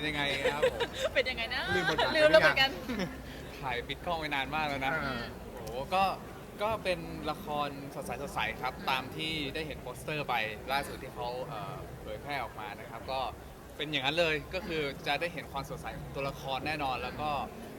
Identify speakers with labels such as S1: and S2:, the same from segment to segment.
S1: ยังไงครับผม
S2: เป็นยังไงนะ
S3: ลืมบทบาท
S2: ลืมแล้วเหมือนกัน
S1: ถ่ายปิดกล้องไปนานมากแล้วนะ โอ้โหก็เป็นละครสดใสครับ ตามที่ได้เห็นโปสเตอร์ไปล่าสุดที่เขาเผยแพร่ออกมานะครับ ก็เป็นอย่างนั้นเลย ก็คือจะได้เห็นความสดใสของตัวละครแน่นอน แล้วก็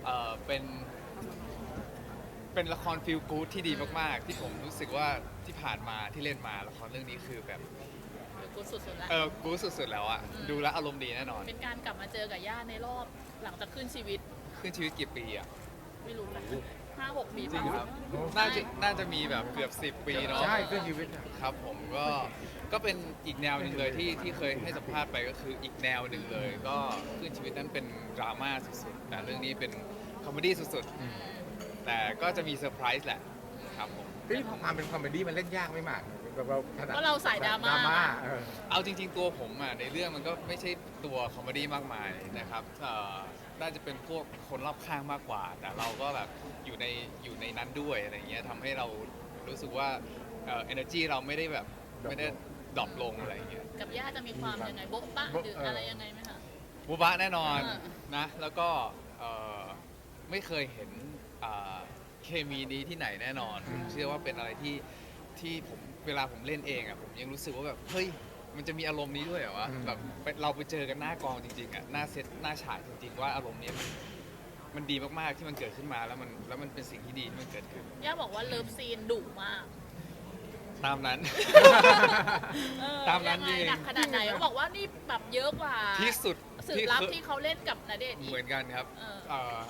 S1: เป็นละครฟีลกู๊ดที่ดีมากๆ ที่ผมรู้สึกว่าที่ผ่านมาที่เล่นมาละครเรื่องนี้คือแบบ
S2: กูสุดๆแล้ว
S1: กู๊ดสุดๆแล้วอะดูแล้วอารมณ์ดีแน่นอน
S2: เป็นการกลับมาเจอกับย่าในรอบหลังจากขึ้นชีวิต
S1: ขึ้นชีวิตกี่ปีอะ
S2: ไม่รู้นะ5-6 ปี
S1: จริงครับ
S3: โอ้
S1: น่าจะมีแบบเกือบ10 ปีเนาะ
S3: ใช่คือชีวิตอะ
S1: ครับผมก็เป็นอีกแนวหนึ่งเลยที่เคยให้สัมภาษณ์ไปก็คืออีกแนวหนึ่งเลย ก็ขึ้นชีวิตนั้นเป็นดราม่าสุดๆแต่เรื่องนี้เป็นคอมเมดี้สุดๆแต่ก็จะมีเซอร์ไพรส์แหละครับผม
S3: ที่พอมาเป็นคอมเมดี้มันเล่นยากไม่มากแบบเราถนัด
S2: เพราะเราสายดราม่า
S1: เอาจริงๆตัวผมอ่ะในเรื่องมันก็ไม่ใช่ตัวคอมเมดี้มากมายนะครับน่าจะเป็นพวกคนรอบข้างมากกว่า แต่เราก็แบบอยู่ในนั้นด้วยอะไรเงี้ยทำให้เรารู้สึกว่าenergy เราไม่ได้แบบไม่ได้ดรอปลงอะไรเงี้ย
S2: กับย่าจะมีความยังไงโบ๊ะบะหรืออะไรยังไงไหมคะ
S1: บูบะแน่นอน
S2: อ่า
S1: นะแล้วก็ไม่เคยเห็นเคมีนี้ที่ไหนแน่นอนผมเชื่อว่าเป็นอะไรที่ผมเวลาผมเล่นเองอ่ะผมยังรู้สึกว่าแบบเฮ้ยมันจะมีอารมณ์นี้ด้วยเหรอวะแบบเราไปเจอกันหน้ากองจริงๆอ่ะหน้าเซตหน้าฉากจริงๆว่าอารมณ์นี้มันดีมากๆที่มันเกิดขึ้นมาแล้วมันเป็นสิ่งที่ดีที่มันเกิดขึ้น
S2: ย่าบอกว่าเลิฟซีนดุมาก
S1: ตามนั้น
S2: เออ
S1: ตามนั้น
S2: ยังไง
S1: จริง
S2: หนักขนาดไหนเขาบอกว่านี่แบบเยอะกว่า
S1: ที่สุด
S2: สืบลับที่เขาเล่นกับณเดชน์อี
S1: เหมื
S2: ก
S1: อนกันครับ
S2: เออ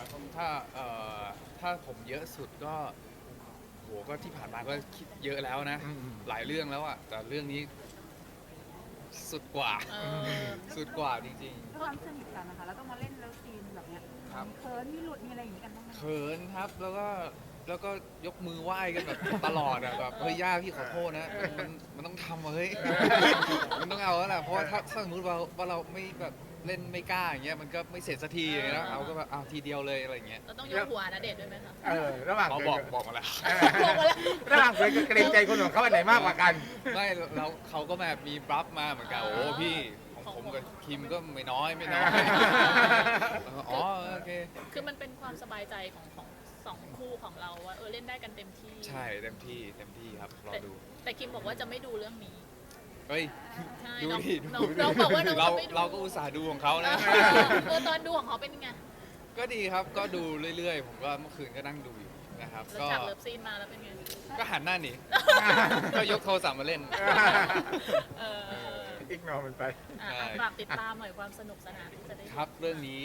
S1: ถ้าผมเยอะสุดก็โหก็ที่ผ่านมาก็คิดเยอะแล้วนะ หลายเรื่องแล้วอ่ะแต่เรื่องนี้สุดกว่า
S2: เออ
S1: สุดกว่าจริง
S4: ด้วยความสนิทกันนะคะแล้วต้องมาเล่นแล้วซีนแบบเนี้ย
S1: ครับ
S4: มีเคิร์นมีหลุดมีอะไรอย่างนี้กันบ้างไหม
S1: ๆเขินครับแล้วก็ยกมือไหว้กันแบบตลอดอ่ะแบบเฮ้ยย่าพี่ขอโทษนะมันต้องทำอะเฮ้ย มันต้องเอาแล้วแหละเพราะว่าถ้าสมมติว่าเราไม่แบบเล่นไม่กล้าอย่างเงี้ยมันก็ไม่เสร็จสักทีอย่างเงี้ยนะเอาก็แบบเอาทีเดียวเลยอะไรอย่างเงี้ย
S2: เราต้องยกหัวณเดชน์ด้วยไหมคะ
S3: ระหว่าง
S1: เขา
S3: เคย
S1: บอกมาแล้ว
S2: บอกมาแล้ว
S3: ระหว่างเคยกับเกรงใจคนของเขาอันไหนมากกว่ากัน
S1: ไม่เราเขาก็แบบมีบลัฟมาเหมือนกันโอ้พี่ของผมกับคิมก็ไม่น้อยแล้วก็อ๋อโอเค
S2: คือมันเป็นความสบายใจของสองคู่ของเราว่าเล่นได้กันเต็มที่
S1: ใช่เต็มที่ครับรอดู
S2: แต่คิมบอกว่าจะไม่ดูเรื่องนี้
S1: เฮ้ย
S2: ใช่
S1: ดู
S2: น้อง
S1: ดิ
S2: น้องบอกว่าน้องจะไม่ดู
S1: เราก็อุตส่าห์ดูของเขานะ
S2: ตอนดูของเขาเป็นยังไง
S1: ก็ดีครับก็ดูเรื่อยๆ ผมก็เมื่อคืนก็นั่งดูอยู่นะครับ
S2: แล้วจากเลิฟซีนมาแล้วเป็นไง
S1: ก็หันหน้าหนี ก็ยกโทรศัพท์มาเล่น
S2: เออ
S3: อีกนอมันไป
S2: อ่ะ
S1: ใช่
S2: ฝากติดตามหน่อยความสนุกสนานที่จะได้
S1: ครับเรื่องนี้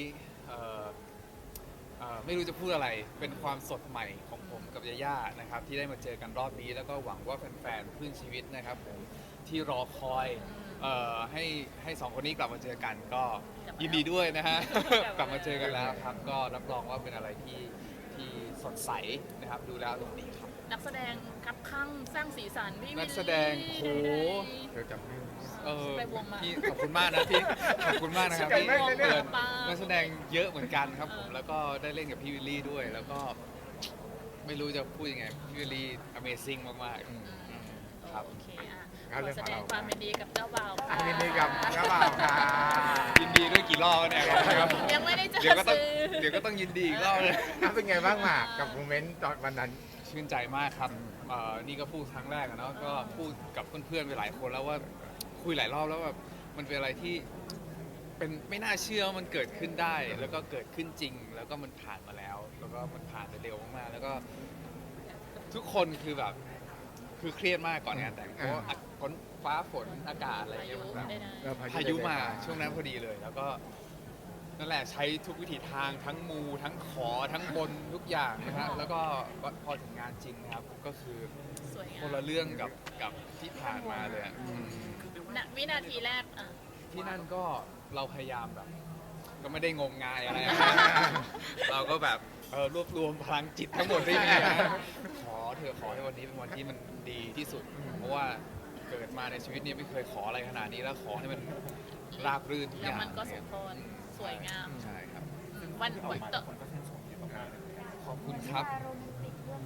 S1: ไม่รู้จะพูดอะไรเป็นความสดใหม่ของผมกับยาย่านะครับที่ได้มาเจอกันรอบนี้ แล้วก็หวังว่าแฟนๆคลื่นชีวิตนะครับผมที่รอคอยให้สองคนนี้กลับมาเจอกันก็ยินดีด้วยนะฮะ กลับมาเจอกันแล้วครับก็รับรองว่าเป็นอะไรที่สดใสนะครับดูแล้วอารมณ์ดีครับ
S2: นักแสดงครับข้างสร้างสีสันพี่วิลลี่
S1: นักแสดงโห
S3: เธอจำไม่ได้
S2: ไปวงมา
S1: พี่ขอบคุณมากนะพี่ขอบคุณมากนะครับพี่
S3: จำไม่ได้เนี่ย
S1: เปิดนักแสดงเยอะเหมือนกันครับผมแล้วก็ได้เล่นกับพี่วิลลี่ด้วย แล้วก็ไม่รู้จะพูดยังไงพี่วิลลี่ Amazing มากๆครับ
S2: โอเคอ่ะ
S3: งั้น
S2: ข
S3: เรื่
S2: อ
S3: อง
S2: แส
S3: ของ
S2: ด
S3: เรา
S2: งความยินดีกับเจ้าบ่าวค่ะ
S3: ยินดีกับเจ้าบ่าวค่ะ
S1: ยินดีด้วยกี่รอบแล้วเนี่ยครับ
S2: ยังไม่ได้เจอ
S1: เดี๋ยวก็ต้อง
S2: สื่อ
S1: เดี๋ยวก็ต้องยินดีอีกรอบเลย
S3: เป็นไงบ้างหมากกับโมเมนต์ตอนวันนั้น
S1: ชื่นใจมากครับนี่ก็พูดครั้งแรกอะเนาะก็พูดกับเพื่อนๆไปหลายคนแล้วว่าคุยหลายรอบแล้วแบบมันเป็นอะไรที่เป็นไม่น่าเชื่อว่ามันเกิดขึ้นได้ แล้วก็เกิดขึ้นจริง แล้วก็มันผ่านมาแล้ว แล้วก็มันผ่านไปเร็วมากๆแล้วก็ทุกคนคือแบบคือเครียดมากก่อนงานแต่งเพราะว่าฝนฟ้าฝนอากาศอะไร
S2: อา
S1: เงี้
S2: ยุ
S1: ยมันแบบ
S2: ได้นะ
S1: พายุมาช่วงนั้นพอดีเลย แล้วก็นั่นแหละใช้ทุกวิถีทางทั้งมูทั้งขอทั้งบนทุกอย่างนะฮะแล้วก็พอถึงงานจริงนะครับก็คือ
S2: สวยงา
S1: คน
S2: ม
S1: ละเรื่องกับที่ผ่านมาเลยอะ
S2: ณวินาทีแรกอ่ะ
S1: ที่นั่นก็เราพยายามแบบ ก็ไม่ได้งมงายอะไรนะ เราก็แบบรวบรวมพลังจิตทั้งหมดที่มีนะขอเธอขอให้วันนี้เป็นวันที่มันดีที่สุด เพราะว่าเกิดมาในชีวิตนี้ไม่เคยขออะไรขนาดนี้แล้วขอให้มันราบรื่นทุกอ
S2: แล้ว
S1: ย่าง
S2: มันก็สมพรสวยงาม
S1: ใช่ครับ
S2: วันต่อ
S1: ขอบคุณครับ
S4: โรแมนติกเรื่องนึงเลย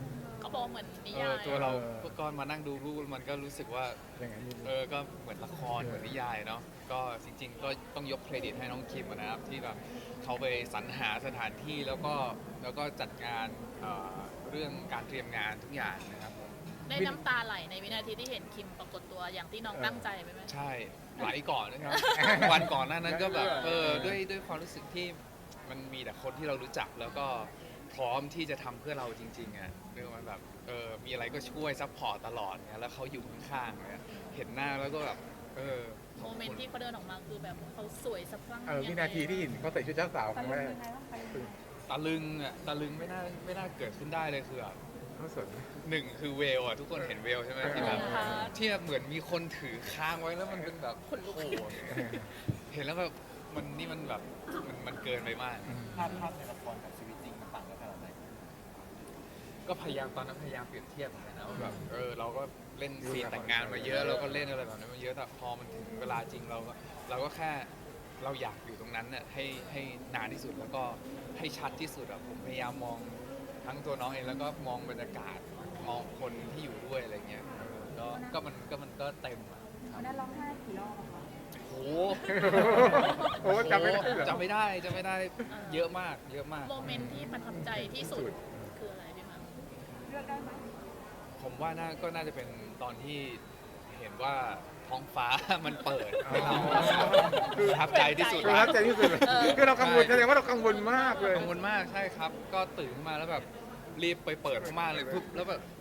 S2: บอกเหมือนนิยาย
S1: ตัวเราก็มานั่งดูรูปมันก็รู้สึกว่า
S3: อย่างนั้นนี่
S1: ก็เหมือนละครเหมือนนิยายเนาะก็จริงๆก็ต้องยกเครดิตให้น้องคิมนะครับที่แบบเขาไปสรรหาสถานที่แล้วก็จัดงานเรื่องการเตรียมงานทุกอย่างนะครับผม
S2: ได้น้ำตาไหลในวินาทีที่เห็นคิมปรากฏตัวอย่างที่น้องตั้งใจไหม
S1: ใช่ไหลก่อนนะครับ วันก่อนหน้านั้นก็แบบด้วยความรู้สึกที่มันมีแต่คนที่เรารู้จักแล้วก็พร้อมที่จะทำเพื่อเราจริงๆอ่ะเรื่องมันแบบมีอะไรก็ช่วยซัพพอร์ตตลอดเนี่ยแล้วเขาอยู่ข้างๆเนี่ยเห็นหน้าแล้วก็แบบข
S2: โม
S1: อบ
S2: เมน
S1: คุ
S2: ต์
S1: ณ
S2: ที่เขาเดินออกมาคือแบบเขาสวยสะพรั่ง
S3: วินาทีที่เห็นเขาใส่ชุดเจ้าสาวค
S4: ตะ
S3: รั้ง
S4: ลึ
S3: แรง ก
S4: ยังไงบ้างไปยังไง
S1: ตะลึงไม่น่าเกิดขึ้นได้เลยคือแบบ
S3: เขาสน
S1: หนึ่งคือเวลอ่ะทุกคนเห็นเวลใช่ไหมที่แบบที่แบบเหมือนมีคนถือค้างไว้แล้วมันเป็นแบบโอ้โหเห็นแล้วแบบมันแบบมันเกินไปมาก
S5: ภาพในละครกับชีวิตจริงมันต่างกันขนาดไหน
S1: ก็ตอนนั้นพยายามเปรียบเทียบเหมือนกันนะว่าแบบเราก็เล่นซีนแต่งงานมาเยอะเราก็เล่นอะไรแบบนั้นมาเยอะแต่พอมันถึงเวลาจริงเราก็แค่เราอยากอยู่ตรงนั้นน่ะให้นานที่สุดแล้วก็ให้ชัดที่สุดอะผมพยายามมองทั้งตัวน้องเองแล้วก็มองบรรยากาศมองคนที่อยู่ด้วยอะไรเงี้ยก็มันก็เต็มอะ
S4: วันนั้นร้องไห้กี่รอบอะคะ
S1: โอ้
S3: โอ้จำไม่ได้เหรอ
S1: จำไม่ได้เยอะมาก
S2: โมเมนต์ที่ประทับใจที่สุดคืออะไรพี่มา
S4: เลือกได้ไหม
S1: ผมว่าก็น่าจะเป็นตอนที่เห็นว่าท้องฟ้า มันเปิดให้เราประทับใจที่สุด
S3: ประทับใจที่สุดเลยคือเรากังวลแสดงว่าเรากังวลมากเลย
S1: กังวลมากใช่ครับ ก็ตื่นขึ้นมาแล้วแบบรีบไปเปิดผ้าม่านเลยปุ๊บแล้วแบบ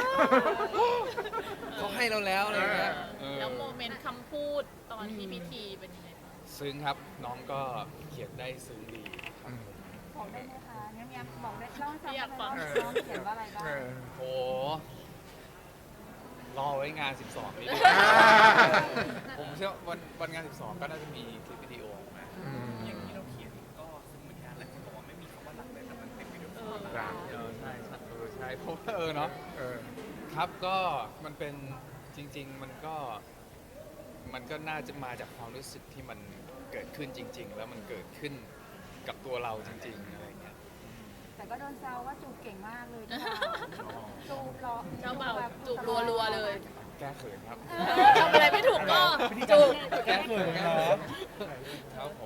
S1: เขาให้เราแล้วอะไรเงี้ย
S2: แล้วโมเมนต์คำพูดตอนที่พิธีเป็นยังไงบ้าง
S1: ซึ้งครับน้องก็เขียนได้ซึ้งดีครับ
S4: บอกได้ไหมคะเนี่ยบอกได้เล่าให้ฟัง
S2: อยากฟัง
S4: น้องเขียนว่าอะไรบ้าง
S1: โหรอไว้งาน 12 นี่ผมเชื่อวันงาน 12 ก็น่าจะมีคลิปวิดีโอออกมา
S5: อย่างที่เราเขียนก็ซึ่งเหมือนกันหลายคนบอกว่าไม่มีคำว่าหลักเลยแต่มันเป็นวิดีโอคอล
S3: รัก
S1: ใช่เพราะว่าเนาะ ครับก็มันเป็นจริง ๆ มันก็น่าจะมาจากความรู้สึกที่มันเกิดขึ้นจริง ๆ แล้วมันเกิดขึ้นกับตัวเราจริง ๆ อะไรเงี้ย
S4: แต่ก็โดนแซวว่าจูบเก่งมากเลยจูบรอ
S2: เจ้าบ่าวจูบรัวๆเลย
S1: แก้เขินครับ
S2: ทำอะไรไม่ถูกก็จูบ
S1: แก้เขินครับครับผม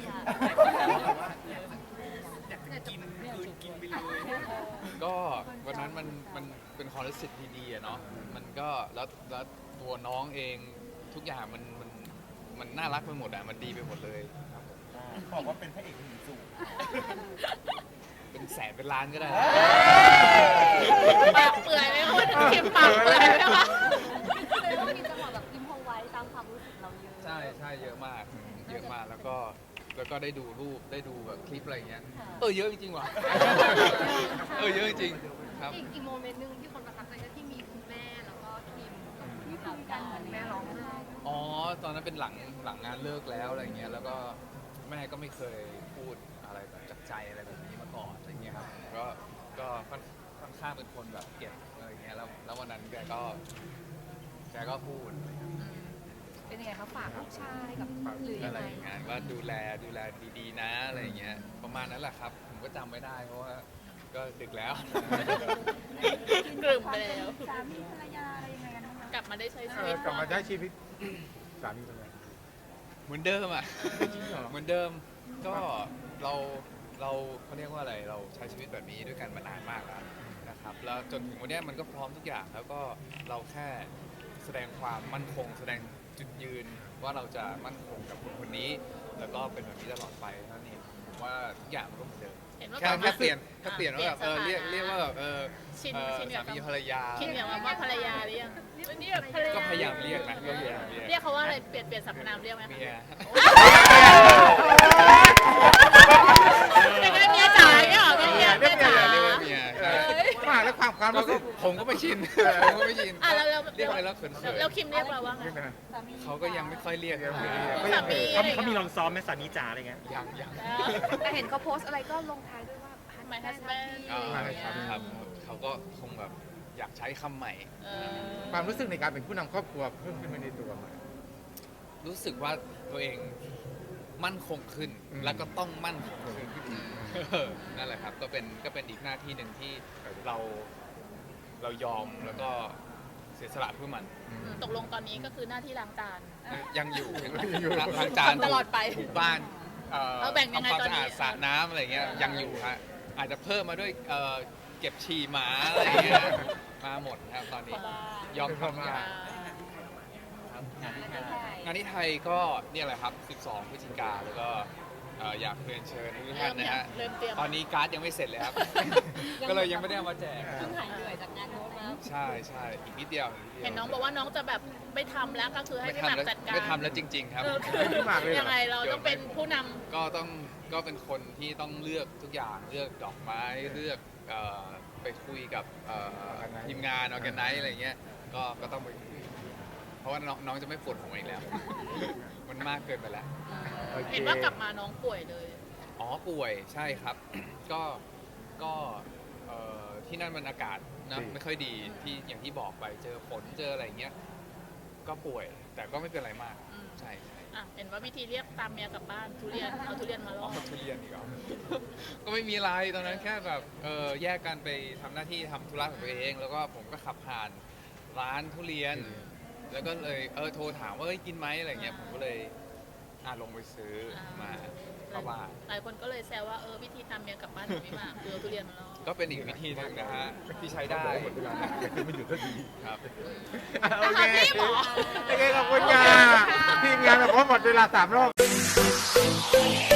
S5: อยากจะกินคือกินไปเลย
S1: ก็วันนั้นมันเป็นความรู้สึกดีๆอะเนาะมันก็แล้วตัวน้องเองทุกอย่างมันน่ารักไปหมดอะมันดีไปหมดเลยครับผม
S5: บอกว่าเป็นพระเอกหนุ่มสูง
S1: เป็นแสนเป็นล้านก็ได้
S2: ปากเปื่อยไหมคุณคิมปากเปื่อยไหมคะ
S6: เลยว่ามีจังหวะแบบอิมพอไว้ตามความรู้สึกเราเยอะ
S1: ใช่เยอะมากแล้วก็ได้ดูรูปได้ดูแบบคลิปอะไรเงี้ยเยอะจริงๆว่ะเยอะจริงๆครับ
S6: อีกโมเมนต์หนึ่งที่คนประทับใจก็ที่มีคุณแม่แล้วก็ทีม
S4: นี่คุยกันเหมือนแม่ร้องไห้
S1: อ๋อตอนนั้นเป็นหลังงานเลิกแล้วอะไรเงี้ยแล้วก็แม่ก็ไม่เคยพูดอะไรแบบจากใจอะไรแบบนี้มาก่อนอะไรเงี้ยครับก็ค่อนข้างเป็นคนแบบเก็บอะไรเงี้ยแล้ววันนั้นแกก็พูด
S6: เป็นยังไงคะฝากลูกชายกับหรือยั
S1: อะ
S6: ง
S1: ไร
S6: ไง
S1: อย่างเงี้ยว่าดูแลดีๆนะอะไรเงี้ยประมาณนั้นแหละครับผมก็จำไม่ได้เพราะว่าก็ดึกแล้ว
S2: กลุ่มไปแล้ว
S4: สามีภรรยาอะไรยังไงกันบ้างคะ
S2: กลับมาได้ใช้ชีวิต
S3: กลับมาใช้ชีวิตสามีเป็นไง
S1: เหมือนเดิมอ่ะ
S3: จริงเหรอ
S1: เหมือนเดิมก็เราเขาเรียกว่าอะไรเราใช้ชีวิตแบบนี้ด้วยกันมานานมากแล้วนะครับแล้วจนถึงวันเนี้ยมันก็พร้อมทุกอย่างแล้วก็เราแค่แสดงความมั่นคง แสดงจุดยืนว่าเราจะมั่นคงกับคนคนนี้ แล้วก็เป็นแบบนี้ตลอดไปเท่านี้ผมว่าทุกอย่างมันก็เหมือนเดิม
S2: เห็นว่า
S1: แค่เปลี่ยนว่าแบบเรียกว่าแบบ
S2: ชิน
S1: สามีภรรยา
S2: คิดอย่างว่าภรรยาหรือยังนี่แบบภรรยา
S1: ก็พยายามเรียกนะก็พยายามเรียก
S2: เรียกเขาว่าอะไรเปลี่ยนสรรพนามเรียกไหมคะ
S1: เมีย
S2: เป็นไงเมียจ๋าเนี่ยเหรอเป็นเมียจ๋า
S1: เรียกว่าเมียใช่
S3: มาแล้วความ
S1: แล้ว
S3: รู้
S1: ก็
S3: สึก
S1: ผมก็ไม่ชินผมก็ไม่ชิน
S2: อ่ะแล้ว
S1: เรียกไปแล้วเขิน
S2: แล้วคิมเรียกเราว่าไง
S3: นี่นะ
S4: สามี
S1: เขาก็ยังไม่ค่อยเรียก
S3: ยังไม่
S2: สามี
S5: เขามีลองซ้อมไหมสามีจ๋าอะไรเงี้ย
S1: ยัง
S6: แต่เห็นเขาโพสต์อะไรก็ลงท้ายด้วยว่า
S2: My husband
S1: ครับเขาก็คงแบบอยากใช้คำใหม่
S3: ความรู้สึกในการเป็นผู้นำครอบครัวเพิ่มขึ้นมาในตัวไหม
S1: รู้สึกว่าตัวเองมั่นคงขึ้น แล้วก็ต้องมั่นคงขึ้นนั่นแหละครับก็เป็นอีกหน้าที่หนึ่งที่เรายอมแล้วก็เสียสละเพื่อมัน
S2: ตกลงตอนนี้ก็คือหน้าที่ล้างจาน
S1: ยังอยู่
S3: ยังอยู่
S1: ล้างจาน
S2: ทำตลอดไป
S1: ถูบ้าน
S2: เอาแบ่งยังไง
S1: ทำความ
S2: ตอน
S1: สะ
S2: นี้
S1: อาดสระน้ำอะไรเงี้ยยังอยู่ฮะอาจจะเพิ่มมาด้วยเก็บฉี่หมาอะไรเงี้ยมาหมดครับตอนนี้ยอมทำงาน งานที่ไทยก็เนี่ยแหละครับ 12 พฤศจิกาแล้วก็อยากเรียนเชิญทุกท่านนะฮะ
S2: เริ่มเตรียม
S1: ตอนนี้การ์ดยังไม่เสร็จเลยครับ ก็เลยยังไม่ได้เอามาแจก
S6: เพิ่งหายเหนื่อยจากงานโน้นมา
S1: ใช่ใช่อีกนิดเดียว
S2: เห็นน้องบอกว่าน้องจะแบบไม่ทำแล้วก็คือให้
S1: ไม่
S2: พี่หมาก
S1: ทำแล้ว
S2: จัดการ
S1: ไม่ทำแล้วจริง ๆ ครับ
S2: เออคือ
S3: พี่หมากเลยเหรอ
S2: ยังไงเราต้องเป็นผู้นำ
S1: ก็เป็นคนที่ต้องเลือกทุกอย่างเลือกดอกไม้เลือกไปคุยกับทีมงานออแกไนซ์อะไรเงี้ยก็ต้องไปคุยเพราะว่าน้องจะไม่ปวดหัวอีกแล้ว มันมากเกินไปแล้ว
S3: โอค
S2: เห็นว่ากลับมาน้องป่วยเลย
S1: อ๋อป่วยใช่ครับ ก็ที่นั่นมันอากาศนะไม่ค่อยดีที่อย่างที่บอกไปเจอฝนเจออะไรเงี้ยก็ป่วย แต่ก็ไม่เป็นไรมาก
S2: อืม
S1: ใช่ใช่
S2: อ่ะเห็นว่าวิธีเรียกตามเมียกลับบ้านทุเรียนเอาทุเรียนมาล่
S1: อ๋
S2: อ
S1: อทุเรียนอีกเหรอ ก็ไม่มีอะไรตอนนั้นแค่แบบแยกกันไปทำหน้าที่ทำธุระของตัวเอง แล้วก็ผมก็ขับผ่านร้านทุเรียน แล้วก็เลยโทรถามว่าเอ้ยกินไหมอะไรเงี้ยผมก็เลยลงไปซื้อมาเข้าบ้าน
S2: หลายคนก็เลยแซวว่าวิธีตามเมียกลับบ้านของพี่หมากคือเอาทุเรียนมาล่อ
S1: ก็เป็นอีกวิธีหนึ่งนะฮะที่ใช้ได้
S3: หมดเวลาอยากจะไม่หยุดสักที
S1: ครับ
S3: โอเค
S2: พี่หมอ
S3: โอเคขอบคุณค่ะทีมงานแบบว่าหมดเวลา3 รอบ